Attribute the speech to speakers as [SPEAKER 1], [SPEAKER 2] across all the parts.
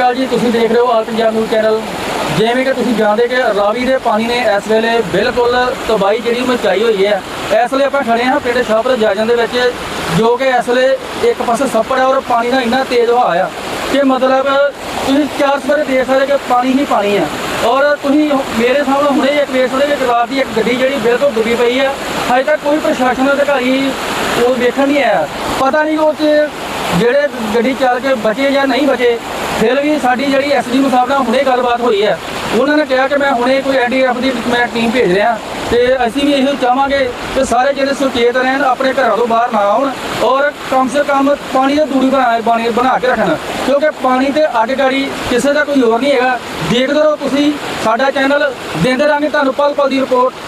[SPEAKER 1] ਅਕਾਲ ਜੀ, ਤੁਸੀਂ ਦੇਖ ਰਹੇ ਹੋ ਆਲ ਪੰਜਾਬ ਨਿਊਜ਼ ਚੈਨਲ। ਜਿਵੇਂ ਕਿ ਤੁਸੀਂ ਜਾਣਦੇ ਕਿ ਰਾਵੀ ਦੇ ਪਾਣੀ ਨੇ ਇਸ ਵੇਲੇ ਬਿਲਕੁਲ ਤਬਾਹੀ ਜਿਹੜੀ ਮਚਾਈ ਹੋਈ ਹੈ। ਇਸ ਵੇਲੇ ਆਪਾਂ ਖੜੇ ਹਾਂ ਪਿੰਡ ਸ਼ਾਹਪੁਰ ਜਾਜਨ ਦੇ ਵਿੱਚ, ਜੋ ਕਿ ਇਸ ਵੇਲੇ ਇੱਕ ਪਾਸੇ ਸੱਪੜ ਹੈ ਔਰ ਪਾਣੀ ਦਾ ਇੰਨਾ ਤੇਜ਼ ਵਹਾਅ ਆ ਕਿ ਮਤਲਬ ਤੁਸੀਂ 4 ਸਵੇਰੇ ਦੇਖ ਸਕਦੇ ਕਿ ਪਾਣੀ ਹੀ ਪਾਣੀ ਹੈ। ਔਰ ਤੁਸੀਂ ਮੇਰੇ ਸਾਹਮਣੇ ਹੁਣੇ ਇੱਕ ਵੇਖ ਸਕਦੇ ਕਿ ਰਾਤ ਦੀ ਇੱਕ ਗੱਡੀ ਜਿਹੜੀ ਬਿਲਕੁਲ ਡੁੱਬੀ ਪਈ ਹੈ। ਹਜੇ ਤੱਕ ਕੋਈ ਪ੍ਰਸ਼ਾਸਨ ਅਧਿਕਾਰੀ ਉਹ ਵੇਖਣ ਨਹੀਂ ਆਇਆ। ਪਤਾ ਨਹੀਂ ਉਹ 'ਚ ਜਿਹੜੇ ਗੱਡੀ ਚੱਲ ਕੇ ਬਚੇ ਜਾਂ ਨਹੀਂ ਬਚੇ। ਫਿਰ ਵੀ ਸਾਡੀ ਜਿਹੜੀ ਐਸਡੀ ਸਾਹਿਬ ਨਾਲ ਹੁਣੇ ਗੱਲਬਾਤ ਹੋਈ ਹੈ, ਉਹਨਾਂ ਨੇ ਕਿਹਾ ਕਿ ਮੈਂ ਹੁਣੇ ਕੋਈ ਐਨਡੀਆਰਐਫ ਦੀ ਮੈਂ ਟੀਮ ਭੇਜ ਰਿਹਾ ਤੇ ਅਸੀਂ ਵੀ ਇਹੋ ਚਾਹਾਂਗੇ ਕਿ ਸਾਰੇ ਜਿਹੜੇ ਸੁਚੇਤ ਰਹਿਣ, ਆਪਣੇ ਘਰਾਂ ਤੋਂ ਬਾਹਰ ਨਾ ਆਉਣ ਔਰ ਕਮ ਸੇ ਕਮ ਪਾਣੀ ਦੀ ਦੂਰੀ ਬਣਾ ਕੇ ਰੱਖਣ, ਕਿਉਂਕਿ ਪਾਣੀ ਤੇ ਅੱਗ ਗਾੜੀ ਕਿਸੇ ਦਾ ਕੋਈ ਹੋਰ ਨਹੀਂ ਹੈਗਾ। ਦੇਖਦੇ ਰਹੋ ਤੁਸੀਂ ਸਾਡਾ ਚੈਨਲ, ਦਿੰਦੇ ਰਹਾਂਗੇ ਤੁਹਾਨੂੰ ਪਲ ਪਲ ਦੀ ਰਿਪੋਰਟ।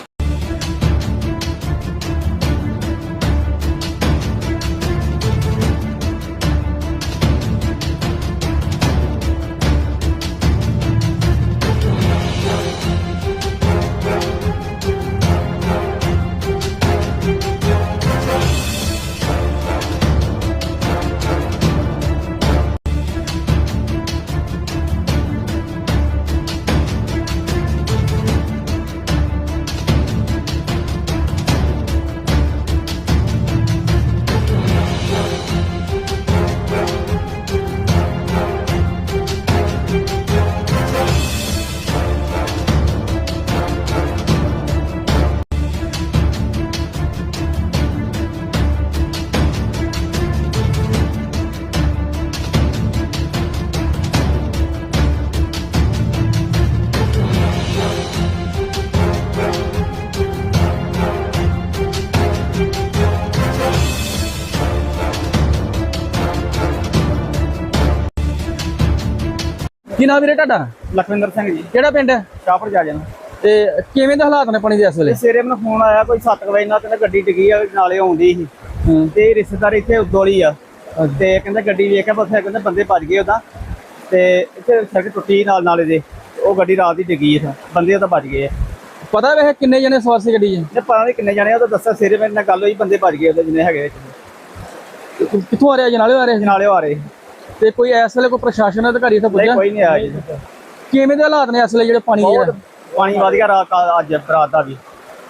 [SPEAKER 1] ਕੀ ਨਾਮ ਵੀਰੇ ਤੁਹਾਡਾ?
[SPEAKER 2] ਲਖਵਿੰਦਰ ਸਿੰਘ ਜੀ।
[SPEAKER 1] ਕਿਹੜਾ ਪਿੰਡ ਹੈ?
[SPEAKER 2] ਸ਼ਾਹਪੁਰ ਜਾਜਨ।
[SPEAKER 1] ਤੇ ਕਿਵੇਂ ਦੇ ਹਾਲਾਤ ਨੇ ਪਾਣੀ ਦੇ ਇਸ ਵੇਲੇ?
[SPEAKER 2] ਸਵੇਰੇ ਮੈਨੂੰ ਫੋਨ ਆਇਆ ਕੋਈ 7 ਵਜੇ ਨਾਲ, ਕਹਿੰਦਾ ਗੱਡੀ ਡਿੱਗੀ ਆ, ਨਾਲੇ ਆਉਂਦੀ ਸੀ ਤੇ ਰਿਸ਼ਤੇਦਾਰ ਇੱਥੇ ਉਦੋਲੀ ਆ ਤੇ ਕਹਿੰਦਾ ਗੱਡੀ ਵੇਖ ਕੇ ਉੱਥੇ ਕਹਿੰਦੇ ਬੰਦੇ ਭੱਜ ਗਏ ਉਹਦਾ, ਤੇ ਇੱਥੇ ਸੜਕ ਟੁੱਟੀ ਨਾਲ ਨਾਲੇ ਦੇ, ਉਹ ਗੱਡੀ ਰਾਤ ਦੀ ਡਿੱਗੀ ਆ, ਬੰਦੇ ਉਹਦਾ ਭੱਜ ਗਏ ਆ।
[SPEAKER 1] ਪਤਾ ਵੈਸੇ ਕਿੰਨੇ ਜਣੇ ਸਵਾਰ ਸੀ ਗੱਡੀ 'ਚ?
[SPEAKER 2] ਪਤਾ ਨਹੀਂ ਕਿੰਨੇ ਜਾਣੇ, ਉਹ ਤਾਂ ਦੱਸਿਆ ਸਵੇਰੇ ਮੇਰੇ ਨਾਲ ਗੱਲ ਹੋਈ, ਬੰਦੇ ਭੱਜ ਗਏ ਉਹਦੇ ਜਿੰਨੇ ਹੈਗੇ।
[SPEAKER 1] ਕਿੱਥੋਂ ਆ ਰਿਹਾ? ਜਨਾਲੇ ਆ ਰਹੇ?
[SPEAKER 2] ਜਨਾਲੇ ਆ ਰਹੇ।
[SPEAKER 1] ਤੇ ਕੋਈ ਇਸ ਵੇਲੇ ਕੋਈ ਪ੍ਰਸ਼ਾਸਨ ਅਧਿਕਾਰੀ ਇੱਥੇ ਪੁੱਜਿਆ?
[SPEAKER 2] ਕੋਈ ਨਹੀਂ ਆਇਆ ਜੀ।
[SPEAKER 1] ਕਿਵੇਂ ਦੇ ਹਾਲਾਤ ਨੇ ਇਸ ਵੇਲੇ ਜਿਹੜੇ ਪਾਣੀ ਦੇ?
[SPEAKER 2] ਪਾਣੀ ਵਧ ਗਿਆ ਰਾਤ, ਅੱਜ ਰਾਤ ਦਾ ਵੀ।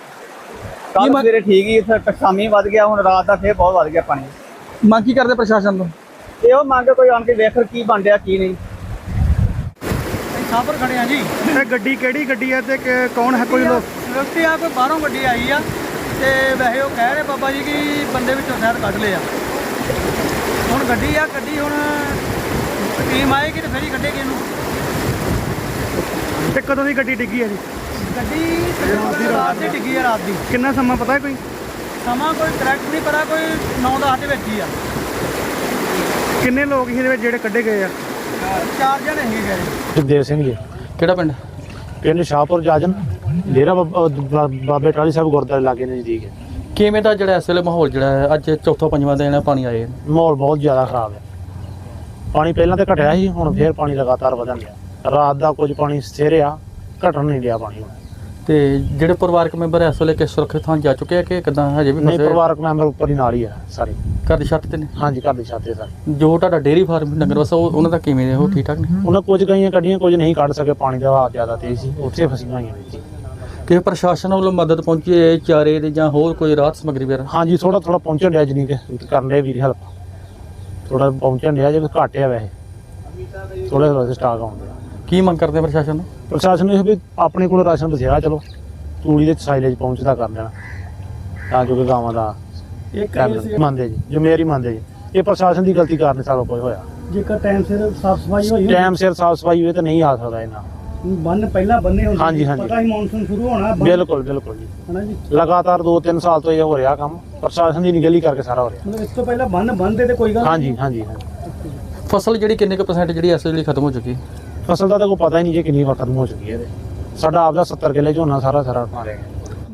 [SPEAKER 2] ਕੱਲ ਸਵੇਰੇ ਠੀਕ ਹੀ, ਸ਼ਾਮੀ ਵਧ ਗਿਆ, ਹੁਣ ਰਾਤ ਦਾ ਫੇਰ ਬਹੁਤ ਵਧ ਗਿਆ ਪਾਣੀ।
[SPEAKER 1] ਮੰਗ ਕੀ ਕਰਦੇ ਪ੍ਰਸ਼ਾਸਨ ਤੋਂ?
[SPEAKER 2] ਇਹੋ ਮੰਗ ਕੋਈ ਆਣ ਕੇ ਵੇਖ ਕੀ ਬਣ ਰਿਹਾ ਕੀ ਨਹੀਂ।
[SPEAKER 3] ਸ਼ਾਹਪੁਰ ਖੜੇ ਆ ਜੀ।
[SPEAKER 4] ਇਹ ਗੱਡੀ ਕਿਹੜੀ ਗੱਡੀ ਹੈ ਤੇ ਕੌਣ ਹੈ? ਕੋਈ ਲੋਕ
[SPEAKER 3] ਵਿਅਕਤੀ ਆ, ਕੋਈ ਬਾਹਰੋਂ ਗੱਡੀ ਆਈ ਆ ਤੇ ਵੈਸੇ ਉਹ ਕਹਿ ਰਹੇ ਬਾਬਾ ਜੀ ਕਿ ਬੰਦੇ ਵਿੱਚੋਂ ਸ਼ਾਇਦ ਕੱਢ ਲਏ ਆ। ਹੁਣ ਗੱਡੀ ਆ, ਗੱਡੀ ਹੁਣ ਟੀਮ ਆਏਗੀ ਤੇ ਫਿਰ ਹੀ ਕੱਢੇਗੀ ਇਹਨੂੰ।
[SPEAKER 4] ਤੇ ਕਦੋਂ ਦੀ ਗੱਡੀ ਡਿੱਗੀ ਹੈ ਜੀ?
[SPEAKER 3] ਗੱਡੀ ਰਾਤ ਦੀ ਡਿੱਗੀ ਆ, ਰਾਤ ਦੀ।
[SPEAKER 4] ਕਿੰਨਾ ਸਮਾਂ ਪਤਾ ਹੈ ਕੋਈ?
[SPEAKER 3] ਸਮਾਂ ਕੋਈ ਕਰੈਕਟ ਨਹੀਂ ਪਤਾ, ਕੋਈ 9-10 ਦੇ ਵਿੱਚ ਹੀ ਆ।
[SPEAKER 4] ਕਿੰਨੇ ਲੋਕ ਇਹਦੇ ਵਿੱਚ ਜਿਹੜੇ ਕੱਢੇ ਗਏ ਆ?
[SPEAKER 3] 4 ਜਣੇ ਹੈਗੇ ਗਏ।
[SPEAKER 5] ਸੁਖਦੇਵ ਸਿੰਘ ਜੀ।
[SPEAKER 1] ਕਿਹੜਾ ਪਿੰਡ?
[SPEAKER 5] ਪਿੰਡ ਸ਼ਾਹਪੁਰ ਜਾਜਨ, ਡੇਰਾ ਬਾਬੇ ਟਾਹਲੀ ਸਾਹਿਬ ਗੁਰਦੁਆਰੇ ਲਾਗੇ ਨਜ਼ਦੀਕ ਹੈ।
[SPEAKER 1] ਕਿਵੇਂ ਦਾ ਜਿਹੜਾ ਇਸ ਵੇਲੇ ਮਾਹੌਲ ਜਿਹੜਾ ਹੈ, ਅੱਜ ਚੌਥਾ ਪੰਜਵਾਂ ਦਿਨ ਪਾਣੀ ਆਏ?
[SPEAKER 5] ਮਾਹੌਲ ਬਹੁਤ ਜ਼ਿਆਦਾ ਖਰਾਬ ਹੈ। ਪਾਣੀ ਪਹਿਲਾਂ ਤਾਂ ਘਟਿਆ ਸੀ, ਹੁਣ ਫੇਰ ਪਾਣੀ ਲਗਾਤਾਰ ਵਧਣ ਲਿਆ। ਰਾਤ ਦਾ ਕੁਝ ਪਾਣੀ ਸਥਿਰ ਆ, ਘਟਣ ਨਹੀਂ ਲਿਆ ਪਾਣੀ।
[SPEAKER 1] ਤੇ ਜਿਹੜੇ ਪਰਿਵਾਰਕ ਮੈਂਬਰ ਇਸ ਵੇਲੇ ਕਿਸ ਸੁਰੱਖਿਅਤ ਥਾਂ ਜਾ ਚੁੱਕੇ ਆ ਕਿ ਕਿਦਾਂ ਹਜੇ ਵੀ
[SPEAKER 5] ਨਹੀਂ,
[SPEAKER 1] ਫਸੇ?
[SPEAKER 5] ਪਰਿਵਾਰਕ ਮੈਂਬਰ ਉੱਪਰ ਹੀ ਨਾਲ ਹੀ ਆ ਸਾਰੇ।
[SPEAKER 1] ਘਰ ਦੀ ਛੱਤ ਤੇ ਨੇ?
[SPEAKER 5] ਹਾਂਜੀ, ਘਰ ਦੀ ਛੱਤ ਤੇ ਸਾਰੇ।
[SPEAKER 1] ਜੋ ਤੁਹਾਡਾ ਡੇਅਰੀ ਫਾਰਮ ਡੰਗਰ ਵਸਾ ਉਹਨਾਂ ਦਾ ਕਿਵੇਂ ਨੇ? ਉਹ ਠੀਕ ਠਾਕ ਨੇ?
[SPEAKER 5] ਉਹਨਾਂ ਕੁਝ ਗਈਆਂ ਕੱਢੀਆਂ, ਕੁਝ ਨਹੀਂ ਕੱਢ ਸਕੇ, ਪਾਣੀ ਦਾ ਵਹਾਅ ਜ਼ਿਆਦਾ ਤੇਜ਼ ਸੀ, ਉੱਥੇ ਫਸੀਆਂ ਹੋਈਆਂ ਨੇ ਜੀ।
[SPEAKER 1] ਕਿ ਪ੍ਰਸ਼ਾਸਨ ਵੱਲੋਂ ਮਦਦ ਪਹੁੰਚੀ ਹੈ ਚਾਰੇ ਦੀ ਜਾਂ ਹੋਰ ਕੋਈ ਰਾਹਤ ਸਮੱਗਰੀ ਵਗੈਰਾ?
[SPEAKER 5] ਹਾਂਜੀ, ਥੋੜਾ ਪਹੁੰਚਣ ਡਿਆ, ਜਨੀ ਕਿ ਕਰਨ ਡਿਆ ਵੀਰ ਹੈਲਪ, ਥੋੜਾ ਪਹੁੰਚਣ ਡਿਆ, ਜੇ ਘੱਟ ਆ ਵੈਸੇ ਥੋੜਾ ਸਟਾਕ ਆਉਂਦੇ ਆ।
[SPEAKER 1] ਕੀ ਮੰਗ ਕਰਦੇ ਆ ਪ੍ਰਸ਼ਾਸਨ ਨੂੰ?
[SPEAKER 5] ਪ੍ਰਸ਼ਾਸਨ ਨੂੰ ਇਹ ਵੀ ਆਪਣੇ ਕੋਲ ਰਾਸ਼ਨ ਬਥੇਰਾ, ਚਲੋ ਤੂੜੀ ਦੇ ਸਾਈਲੇਜ ਪਹੁੰਚਦਾ ਕਰ ਦੇਣਾ ਤਾਂ ਜੋ ਕਿ ਗਾਵਾਂ ਦਾ ਮੰਨਦੇ ਜੀ, ਜ਼ਿੰਮੇਵਾਰੀ ਮੰਨਦੇ ਜੀ। ਇਹ ਪ੍ਰਸ਼ਾਸਨ ਦੀ ਗਲਤੀ ਕਾਰਨ ਸਾਰਾ ਕੁਝ ਹੋਇਆ।
[SPEAKER 4] ਜੇਕਰ ਟਾਈਮ ਸਿਰ ਸਾਫ ਸਫਾਈ ਹੋਈ,
[SPEAKER 5] ਟਾਈਮ ਸਿਰ ਸਾਫ ਸਫਾਈ ਹੋਏ ਤਾਂ ਨਹੀਂ ਆ ਸਕਦਾ ਇਹਨਾਂ।
[SPEAKER 4] ਬੰਨ ਪਹਿਲਾਂ ਬੰਨੇ ਹੁੰਦੇ,
[SPEAKER 5] ਹਾਂਜੀ, ਹਾਂਜੀ।
[SPEAKER 4] ਪਤਾ ਹੀ ਮੌਨਸੂਨ ਸ਼ੁਰੂ ਹੋਣਾ।
[SPEAKER 5] ਬਿਲਕੁਲ ਬਿਲਕੁਲ ਜੀ,
[SPEAKER 4] ਹਨਾ ਜੀ।
[SPEAKER 5] ਲਗਾਤਾਰ 2-3 ਸਾਲ ਤੋਂ ਇਹ ਹੋ ਰਿਹਾ ਕੰਮ, ਪ੍ਰਸ਼ਾਸਨ ਦੀ ਨਿਗਲੀ ਕਰਕੇ ਸਾਰਾ ਹੋ ਰਿਹਾ।
[SPEAKER 4] ਮਤਲਬ ਇਸ ਤੋਂ ਪਹਿਲਾਂ ਬੰਨ ਬੰਨਦੇ ਤੇ ਕੋਈ ਗੱਲ
[SPEAKER 5] ਹਾਂਜੀ ਹਾਂਜੀ।
[SPEAKER 1] ਫਸਲ ਜਿਹੜੀ ਕਿੰਨੇ ਕੁ % ਜਿਹੜੀ ਇਸ ਵੇਲੇ ਖਤਮ ਹੋ ਚੁੱਕੀ?
[SPEAKER 5] ਫਸਲ ਦਾ ਤਾਂ ਕੋਈ ਪਤਾ ਹੀ ਨਹੀਂ ਜੀ ਕਿੰਨੀ ਵਾਰ ਖਤਮ ਹੋ ਚੁੱਕੀ ਹੈ। ਸਾਡਾ ਆਪਦਾ 70 ਕਿੱਲੇ ਝੋਨਾ ਸਾਰਾ ਮਾਰਿਆ ਗਿਆ।